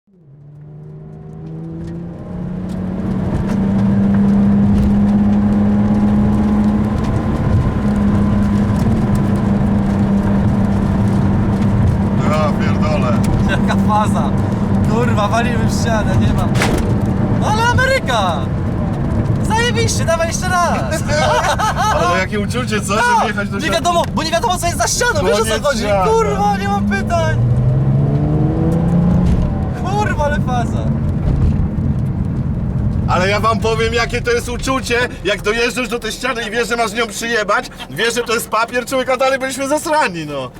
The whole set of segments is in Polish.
Ja pierdolę. Jaka faza. Kurwa, walimy w ścianę, nie ma. No ale Ameryka! Zajebiście, dawaj jeszcze raz! Ale jakie uczucie, co? Żeby jechać do Nie ściany? wiadomo, bo nie wiadomo co jest za ścianą, wiesz o co Koniec chodzi? świata. Kurwa, nie mam pytań! Kurwa, ale faza! Ale ja wam powiem, jakie to jest uczucie, jak dojeżdżasz do tej ściany i wiesz, że masz nią przyjebać, wiesz, że to jest papier, człowieka dalej byliśmy zasrani, no.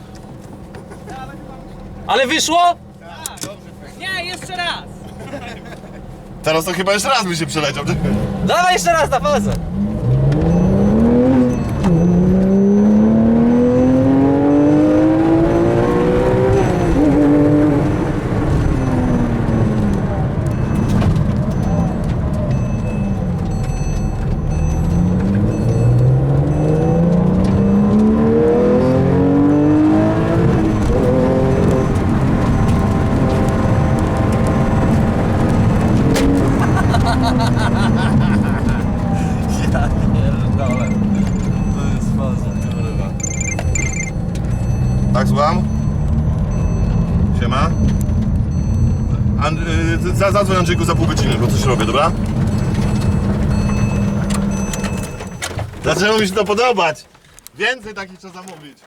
Ale wyszło? Nie, jeszcze raz! Teraz to chyba jeszcze raz by się przeleciał. Dawaj jeszcze raz na fazę! Ja pierdolę. To jest faza, kurwa. Tak, słucham? Siema? Zadzwoń Andrzejku za pół godziny, bo coś robię, dobra? Zaczęło mi się to podobać. Więcej takich trzeba zamówić.